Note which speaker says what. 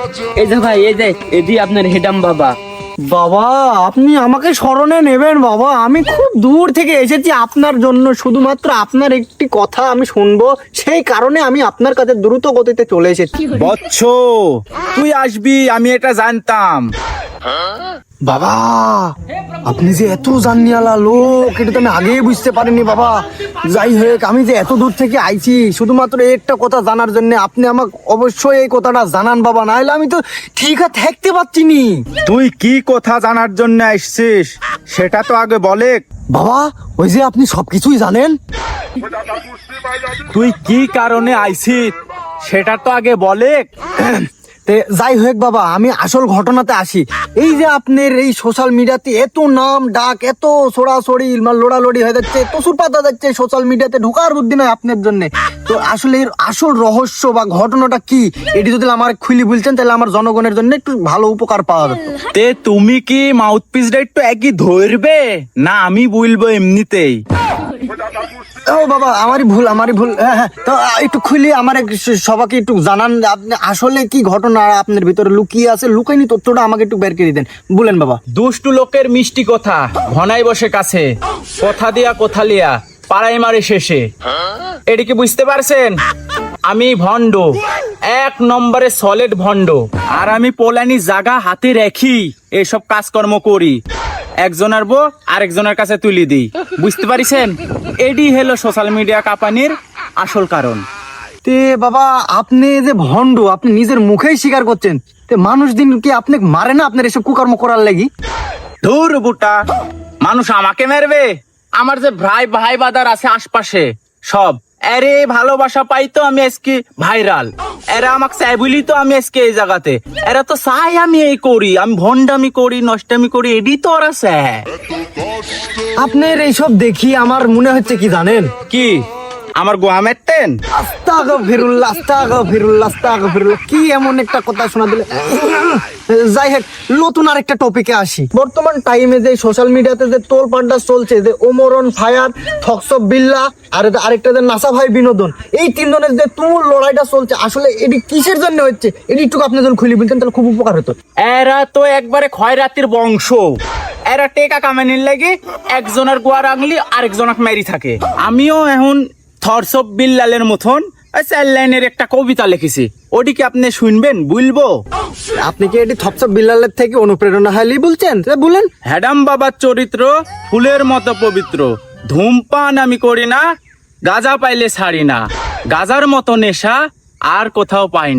Speaker 1: এই যে ভাই, এই যে এদি আপনার হেডাম বাবা।
Speaker 2: বাবা আপনি আমাকে স্মরণে নেবেন বাবা, আমি খুব দূর থেকে এসেছি আপনার জন্য, শুধুমাত্র আপনার একটি কথা আমি শুনবো, সেই কারণে আমি আপনার কাছে দ্রুত গতিতে চলে এসেছি।
Speaker 3: বৎস, তুই আসবি আমি এটা জানতাম।
Speaker 2: বাবা আপনি যে এত জানিয়ালা লোক, এটা তো আমি আগেই বুঝতে পারিনি বাবা। যাই হোক, আমি যে এত দূর থেকে আইছি শুধুমাত্র একটা কথা জানার জন্য, আপনি আমাকে অবশ্যই এই কথাটা জানান বাবা, নাহলে আমি তো ঠিক আছে থাকতে পারছি নি।
Speaker 3: তুই কি কথা জানার জন্য আসছিস সেটা তো আগে বলে।
Speaker 2: বাবা ওই যে আপনি সবকিছুই জানেন।
Speaker 3: তুই কি কারণে আইছিস সেটা তো আগে বলে।
Speaker 2: যাই হোক বাবা, আমি আসল ঘটনাতে আসি। এই যে আপনার এই সোশ্যাল মিডিয়াতে এত নাম ডাক, এত ছড়াছড়ি লোড়ালোড়ি হয়ে যাচ্ছে, প্রচুর পাতা যাচ্ছে সোশ্যাল মিডিয়াতে, ঢোকার বুদ্ধি নয় আপনার জন্য। তো আসলে এর আসল রহস্য বা ঘটনাটা কি, এটি যদি আমার খুলি বলছেন তাহলে আমার জনগণের জন্য একটু ভালো উপকার পাওয়া যেত।
Speaker 3: তে তুমি কি মাউথ পিসটা একটু একই ধরবে না আমি বলবো এমনিতেই?
Speaker 2: ও বাবা আমারই ভুল। হ্যাঁ, তো একটু খুলি আমার সবাইকে একটু জানান, আপনি আসলে কি ঘটনা আপনার ভিতরে লুকিয়ে আছে, লুকাইনি তথ্যটা আমাকে একটু বের করে দেন, বলেন বাবা।
Speaker 3: দুষ্টু লোকের মিষ্টি কথা ঘনাই বসে কাছে, কথা দিয়া কথা লিয়া পাড়াই মারে শেষে। এটি কি বুঝতে পারছেন? আমি ভণ্ড, এক নম্বরে সলিড ভণ্ড। আর আমি পোলানি জায়গা হাতে রেখি এসব কাজকর্ম করি, একজনের বউ আরেকজনের কাছে তুলি দিই। বুঝতে পারিছেন? এডি হলো সোশ্যাল মিডিয়া কাঁপানির আসল কারণ।
Speaker 2: তে বাবা আপনি যে ভণ্ড, আপনি নিজের মুখেই স্বীকার করছেন, তে মানুষ দিন কি আপনি মারে না আপনার এসব কুকর্ম করার লাগি?
Speaker 3: ধুর বুটা, মানুষ আমাকে মারবে? আমার যে ভাই ভাই বাদার আছে আশপাশে সব, আরে ভালোবাসা পাই তো আমি আজকে ভাইরাল, এরা আমাকে চাই বলি তো আমি আজকে এই জায়গাতে, এরা তো চাই আমি এই করি, আমি ভন্ডামি করি নষ্টামি করি, এডি তো ওরা চায়।
Speaker 2: আপনার এইসব দেখি আমার মনে হচ্ছে কি জানেন,
Speaker 3: কি আমার গোয়া মেরতেন?
Speaker 2: আস্তাগফিরুল্লাহ, কি এমন একটা কথা শোনা দিলে। যাই হোক, নতুন আরেকটা টপিকে আসি। বর্তমান টাইমে যে সোশ্যাল মিডিয়াতে যে তোলপাড়টা চলছে, যে ওমরন ফায়ার, থকসব বিল্লা আর আরেকটা যে নাসা ভাই বিনোদন, এই তিনজনের যে তুমুল লড়াইটা চলছে, আসলে এটি কিসের জন্য হচ্ছে, এটি একটু আপনি যখন খুলে বলতেন তাহলে খুব উপকার হতো।
Speaker 3: এরা তো একবারে খয়রাতির বংশ, এরা টেকা কামানির লাগে একজনের গোয়ার আঙলি আরেকজনক মেরি থাকে। আমিও এখন থরসব বিল্লালের মতন চার লাইনের একটা কবিতা লিখেছি, ওটিকে আপনি শুনবেন বলবো?
Speaker 2: আপনি কি এটি থপসব বিল্লালের থেকে অনুপ্রেরণা হাইলি বলছেন? বলেন।
Speaker 3: হ্যাডাম বাবার চরিত্র ফুলের মতো পবিত্র, ধূমপান আমি করি না, গাঁজা পাইলে ছাড়ি না, গাঁজার মতো নেশা আর কোথাও পাই না।